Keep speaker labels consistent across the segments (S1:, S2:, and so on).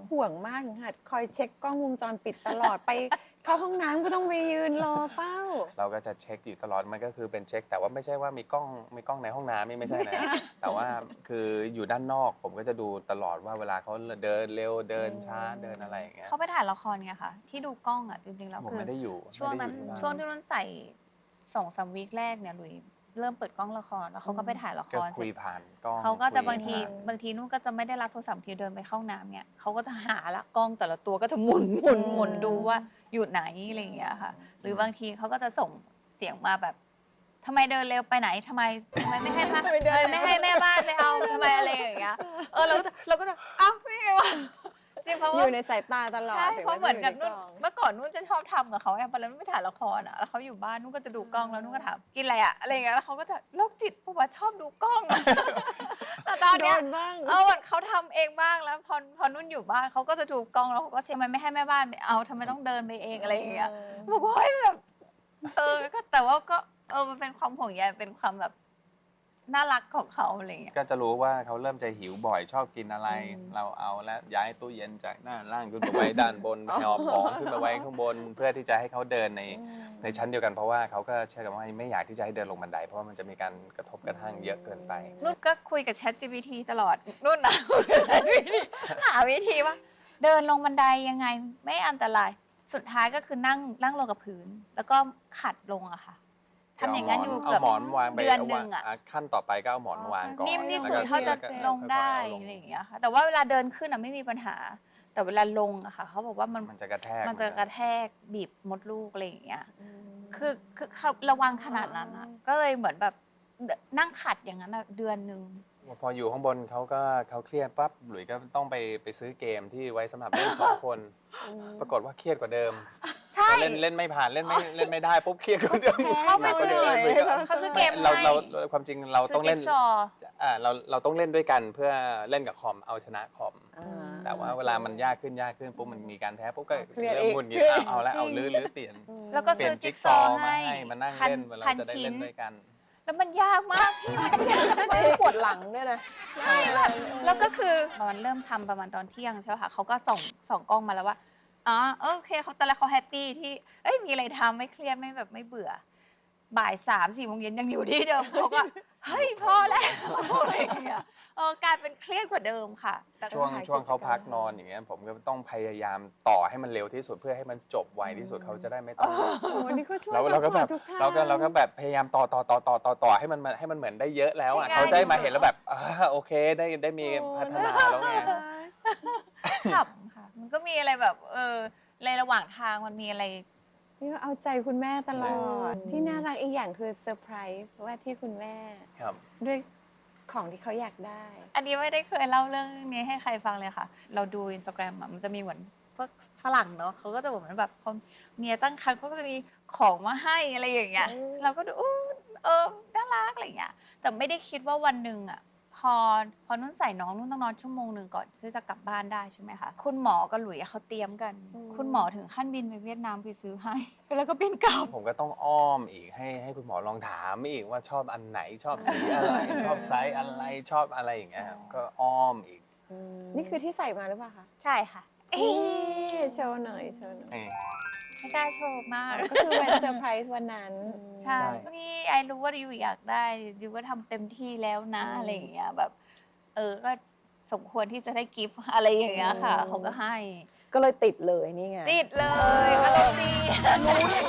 S1: ห่วงมากค่ะคอยเช็คกล้องวงจรปิดตลอดไปเข้าห้องน้ำก็ต้องไปยืนรอเฝ้า
S2: เราก็จะเช็คอยู่ตลอดมันก็คือเป็นเช็คแต่ว่าไม่ใช่ว่ามีกล้องในห้องน้ำไม่ใช่นะ แต่ว่าคืออยู่ด้านนอกผมก็จะดูตลอดว่าเวลาเขาเดินเร็วเดินช้าเดินอะไรอย่างเงี้ย
S3: เขาไปถ่ายละครไงค่ะที่ดูกล้องอ่ะจริงๆแล้ว
S2: ผม
S3: คือ
S2: ไม่ได้อยู่
S3: ช่วงนั้น
S2: ไม่ได้อยู่ที่บ้าน
S3: ช่วงที่นุ่นใส่2-3 วีคแรกเนี่ยหลุยเริ่มเปิดกล้องละครแล้วเขาก็ไปถ่ายละค
S2: ก็
S3: รเส
S2: คุ
S3: ร็
S2: ย
S3: จ
S2: ผ่านกล้อง
S3: เขาก็จะ
S2: คุย
S3: บางที
S2: ผ่น
S3: นุ่นก็จะไม่ได้รับโทรศัพท์ทีเดินไปเข้าห้องน้ำเนี่ยเขาก็จะหาละกล้องแต่ละตัวก็จะหมุนดูว่าอยู่ไหนอะไรอย่างเงี้ยค่ะ หรือบางทีเขาก็จะส่งเสียงมาแบบทำไมเดินเร็วไปไหนทำไมไม่ให้ไม่ให้แม่บ้านไปเอาทำไมอะไรอย่างเงี้ยเราก็จะเอ้าไม่ไงวะจริงเพราะ
S1: อ
S3: ว่า
S1: ยู่ในสายตาตลอด
S3: ใช่เพราะเหมือนกับ
S1: ถึ
S3: นุ่
S1: ง
S3: น
S1: แม้จะอยู่ใกอง
S3: เมื่อก่อนนุ่นจะชอบทำกับเขาไงพอแล้วนุ่นไปถ่ายละครอ่ะแล้วเขาอยู่บ้านนุ่นก็จะดูกล้องแล้วนุ่นก็ถามกินอะไรอ่ะอะไรอย่างเงี้ยแล้วเขาก็จะโรคจิตเพราะว่าชอบดูกล้องอะแต่ตอนเนี้ย
S1: โดนบ้าง
S3: เขาทำเองบ้างแล้วพอนุ่นอยู่บ้านเขาก็จะดูกล้องแล้วเขาก็เชื่อมันไม่ให้แม่บ้านไปเอาทำไมต้องเดินไปเองอะไรอย่างเงี้ยบอกว่าเฮ้ยแบบก็แต่ว่าก็มันเป็นความห่วงใยเป็นความแบบน่ารักของเขาอะไรอย่างเงี้ย
S2: ก็จะรู้ว่าเขาเริ่มจะหิวบ่อยชอบกินอะไร เราเอาแล้วย้ายตู้เย็นจากด้านล่างขึ้นไปไว้ด้านบนหอบของขึ้นมาไว้ข้างบน เพื่อที่จะให้เขาเดินในชั้นเดียวกันเพราะว่าเขาก็เชื่อกันว่าไม่อยากที่จะให้เดินลงบันไดเพราะว่ามันจะมีการกระทบกระทั่งเยอะเกินไป
S3: นุ่นก็คุยกับ ChatGPT ตลอดนุ่นนะ คุยกับ ChatGPT หาวิธีว่า เดินลงบันไดยังไงไม่อันตรายสุดท้ายก็คือนั่งลงกับพื้น แล้วก็ขัดลงอะค่ะทำอย่างนั้นอยู่เกือบ
S2: เอาหมอนวางไป
S3: เดือนหนึ่งอะ
S2: ขั้นต่อไปก็เอาหมอนวางก่อน
S3: นิ่มที่สุด
S2: แล้วก็
S3: เท่าจะ
S2: ค่อยๆ
S3: ลงได้
S2: เอาลง
S3: อะไรอย่างเงี้ยค่ะแต่ว่าเวลาเดินขึ้นอะไม่มีปัญหา แต่เวลาลงอะค่ะเขาบอกว่ามัน
S2: มันจะกระแทก
S3: มันจะกระแทกบีบมดลูกอะไรอย่างเงี้ยคือเขาระวังขนาดนั้นอะก็เลยเหมือนแบบนั่งขัดอย่างนั้นอะเดือนหนึ่ง
S2: พออยู่ข้างบนเขาเครียดปั๊บหลุยส์ก็ต้องไปซื้อเกมที่ไว้สำหรับเล่นสองคน ปรากฏว่าเครียดกว่าเดิม
S3: ใช่
S2: พอเล่นไม่ผ่านเล่นไม่ได้ปุ๊บเครียดกว่าเดิม
S3: เขาไปซื้อ
S2: หนักกว่าดิม
S3: เขาซื้อเกม
S2: เรา
S3: ให้
S2: ความจริงเราต้องเล่น
S3: ซื้จิ๊กซอว์
S2: เราต้องเล่นด้วยกันเพื่อเล่นกับคอมเอาชนะคอม
S1: อ่า
S2: แต่ว่าเวลามันยากขึ้นปุ๊บมันมีการแพ้ปุ๊บก็
S1: เครียด
S2: เริ่ม
S1: อีก
S2: หงุดหงิดเอาแล้ว
S3: จริง
S2: เอาลื้อเปลี่ยน
S3: แล้วก็
S2: เปลี่
S3: ซื้
S2: ย
S3: อน จิ๊
S2: จิ๊
S3: ก
S2: ก
S3: ซ
S2: ซ
S3: อ
S2: อ
S3: ว์
S2: ว์มา
S3: ให้
S2: ให้มานั่งเล่นเวลาจะได้เล่นด้วยกัน
S3: แล้วมันยากมากพี่มันยาก
S1: ไม่ปวดหลังด้วยนะ
S3: ใช่แบบแล้วก็คือมันเริ่มทำประมาณตอนเที่ยงใช่ไหมคะเขาก็ส่องกล้องมาแล้วว่าอ๋อโอเคเขาตอนแรกเขาแฮปปี้ที่มีอะไรทำไม่เครียดไม่แบบไม่เบื่อ บ่าย3-4 โมงเย็นยังอยู่ที่เดิมเขาก็เฮ้ยพอแล้วอะไรอย่างเงี้ยกลายเป็นเครียดกว่าเดิมค่ะแต่ก็
S2: ช่วงเขาพักนอนอย่างเงี้ยผมก็ต้องพยายามต่อให้มันเร็วที่สุดเพื่อให้มันจบไวที่สุดเขาจะได้ไม่ต้อง
S1: โอ้โหนี่ก็ช่วย
S2: เราก็แบบ
S1: ทุกทาง
S2: เราก็แบบพยายามต่อให้มันเหมือนได้เยอะแล้วอ่ะ
S3: ง่ายๆ
S2: เขาจะได้มาเห็นแล้วแบบโอเคได้มีพัฒนาแล้วไง
S3: ขำค่ะมันก็มีอะไรแบบในระหว่างทางมันมีอะไร
S1: นี่ก็เอาใจคุณแม่ตลอด ที่น่ารักอีกอย่างคือเซอร์ไพรส์ว่าที่คุณแม่
S2: ครับ
S1: ด้วยของที่เขาอยากได้
S3: อันนี้ไม่ได้เคยเล่าเรื่องนี้ให้ใครฟังเลยค่ะ เราดู Instagram อะมันจะมีเหมือนพวกฝรั่งเนาะเขาก็จะเหมือนแบบพอเมียตั้งครรภ์เขาก็จะมีของมาให้อะไรอย่างเงี้ย เราก็ดูน่ารักอะไรอย่างเงี้ย แต่ไม่ได้คิดว่าวันหนึ่งอะพอนุ่นใส่น้องนุ่นต้องนอนชั่วโมงหนึ่งก่อนที่จะกลับบ้านได้ใช่ไหมคะ คุณหมอกับหลุยเขาเตรียมกัน คุณหมอถึงขั้นบินไปเวียดนามไปซื้อให้ แล้วก็บินกลับ
S2: ผมก็ต้องอ้อมอีกให้คุณหมอลองถามอีกว่าชอบอันไหนชอบสีอะไร ชอบไซส์อะไรชอบอะไรอย่างเงี้ยครับก็อ้อมอีก
S1: นี่คือที่ใส่มาหรือเปล่าคะ
S3: ใช่ค่ะ
S1: โชว์หน่อยโชว์หน่อย
S3: ไม่กล้าโชว์มาก
S1: ก็คือวันเซอร์ไพรส์วันนั้น
S3: ใช่นี่ไอรู้ว่ายูอยากได้ยูก็ทำเต็มที่แล้วนะอะไรอย่างเงี้ยแบบก็สมควรที่จะได้กิฟต์อะไรอย่างเงี้ยค่ะเขาก็ให้
S1: ก็เลยติดเลยนี่ไง
S3: ติดเลยอารมณ์ดีอารมณ์ดี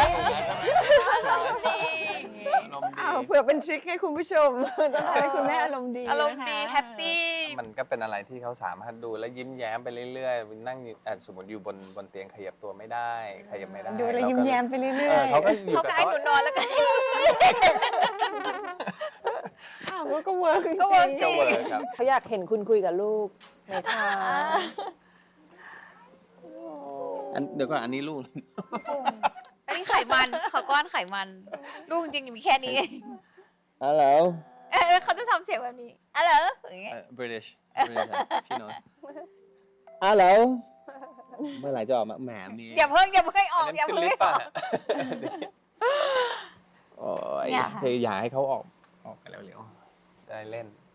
S3: อย่างงี้
S1: อ้าวเผื่อเป็นทริคให้คุณผู้ชมจะทำให้คุณแม่อารมณ์ดี
S3: อารมณ์ดี
S1: นะคะ
S3: แฮปปี้
S2: มันก็เป็นอะไรที่เขาสามารถดูแล้วยิ้มแย้มไปเรื่อยๆนั่งอยู่สมมติอยู่บนเตียงขยับตัวไม่ได้ขยับไม่ได้
S1: ดูแล้วยิ้มแย้มไปเรื่อยๆ
S2: เขาก็อยู่
S3: เขา
S2: กับ
S3: ก็ให้หนูนอนแล้วก็
S1: อ้าวก็เวิร์กจริง
S3: ก็เวิร์กจริ
S2: ก็
S3: ง
S2: เวิร์กครับ
S1: เขาอยากเห็นคุณคุยกับลูกในทาง
S2: เดี๋ยวก่อนอันนี้ลูก
S3: อันนี้ไขมันขอก้อนไขมัน ลูกจริงๆมีแค่นี้เอง
S2: Hello
S3: เขาจะทำเสียงแบบนี้อะไรอย่างเงี้ย
S2: British พี่โน้ต Hello เมื่อไหร่จะออกมาแหมมี
S3: อย่าเพิ่งออก
S2: นนั้น
S3: อย่า
S2: ขึ้
S3: เพิ่
S2: น
S3: ง
S2: ลิฟต์
S3: อ
S2: ป่ะ
S3: อก
S2: โอ้ย
S3: เนี่ยค่ะ
S2: คืออยากให้เขาออกไปเร็วๆได้เล่น